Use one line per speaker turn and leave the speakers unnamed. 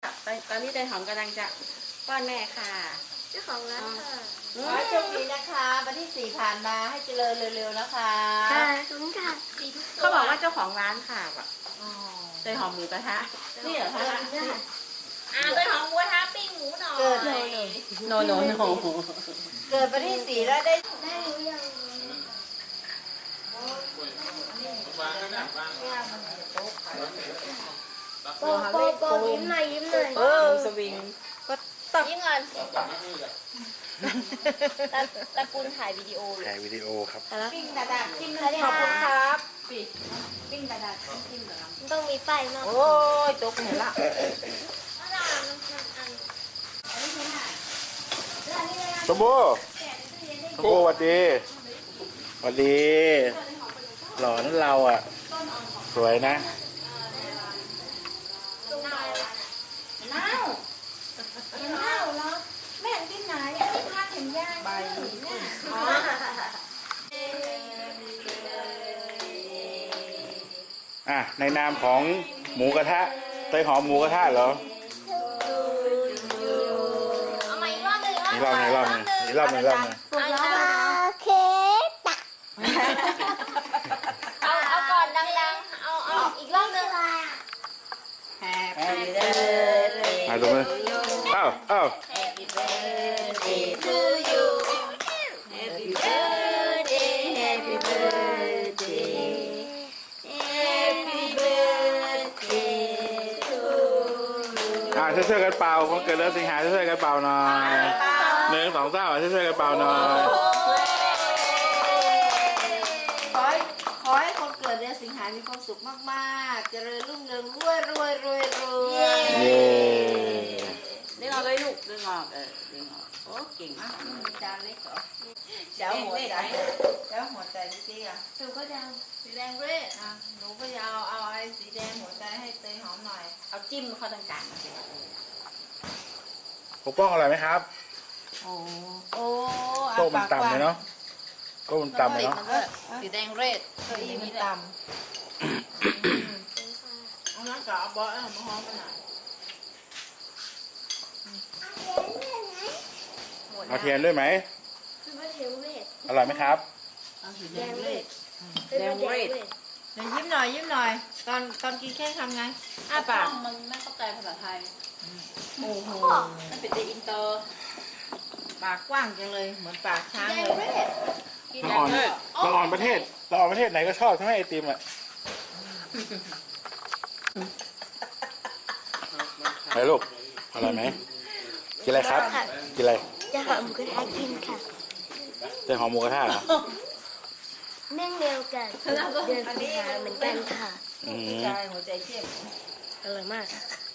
ตอนนี้เตยหอมกำลังจะป้อนแม่ค่ะ
เจ้าของร้านค่ะ
ขอให้โชคดีนะคะวันที่ 4ผ่านมาให้เจริญเร็วๆนะคะ
ค่ะขอบคุณค่ะ
เขาบอกว่าเจ้าของร้านค่ะแบบเตยหอมหมูกระทะนี่เหรอคะเตยหอมหมูกระทะปิ้งหมูหน่อย
เกิด
โน
เกิดวันที่ 4แล้วได้
รู้ยังโปยิ้มหน่อยยิ้มหน่อย
สวิงก็
ยิ้มเงินตะกุลถ่ายวิดีโอ
ถ่ายวิดีโอครับ
ปิ้งดาดาจิ้ม
ขอบคุณครับ
ปิ้งดาดาจิ้มเหรอ
ต้องมีป้ายมาก
โอ้ยตกเห็นละ
สมบูสวัสดีสวัสดีหล่อนั่นเราอ่ะสวยนะ
แม่กินไหนอันนี้พาเห็นยากใบ
ในนามของหมูกระทะเตยหอมหมูกระทะเหรอ
เอามาอีกรอบนึง
อีกรอบนึง
เค้กตัก
เอาก่อนดังๆเอาอีกรอบนึง Happy birthday
มาตรงนี้อ้าว
Happy birthday to you Happy birthday Happy birthday Happy birthday to you
ช่วยกันเป่าคนเกิดเดือนสิงหาช่วยกันเป่าหน่อย1 2 3ช่วยกันเป่าหน่อย
ขอให้คนเกิดเดือนสิงหามีความสุขมากๆเจริญรุ่งเรืองรวย
เย้
ดึงออกเลยลูกดึงออกดึงออกโอ้เก่งมาก
มีจานเล็กเหรอเจ้าหัวใจจริงๆอ่ะหนูก็จะเอาสีแดงเรดอ่ะหนูก็จะเอาไอ้สีแดงหัวใจให้เตยหอมหน่อย
เอาจิ้มเข้าตรงกลาง
ปกป้องอร่อยไหมครับ
โอ้
โต๊ะมันต่ำเลยเนาะโต๊ะมันต่ำเลยเนาะ
สีแดงเรดเก้าอี้มันต่ำเอาน้ำกะบอสเอามาหอมกันหน่อย
เอาเทียนด้วยไหมอร่อยไหมครับ
แดงเรดเดี๋ยวยิ้มหน่อยตอนกินแค่ทำไงปาก
มันไม่เข้าใจภาษาไทย
โอ้โห
มันเป็นอินเตอร์
ปากกว้างจังเลยเหมือนปากช้างเลย
เราอ่อนประเทศไหนก็ชอบใช่ไหมไอติมอ่ะไหนลูกอร่อยไหมกินอะไรครับกินอะไร
จะหอมหมูกระทะกินค่ะ
จะหอมหมูกระทะเหรอ
เนื่องเดียวกันเดือนสิงหาเหมือนกันค่ะ
ใจหัวใจเข้ม
อร่อยมาก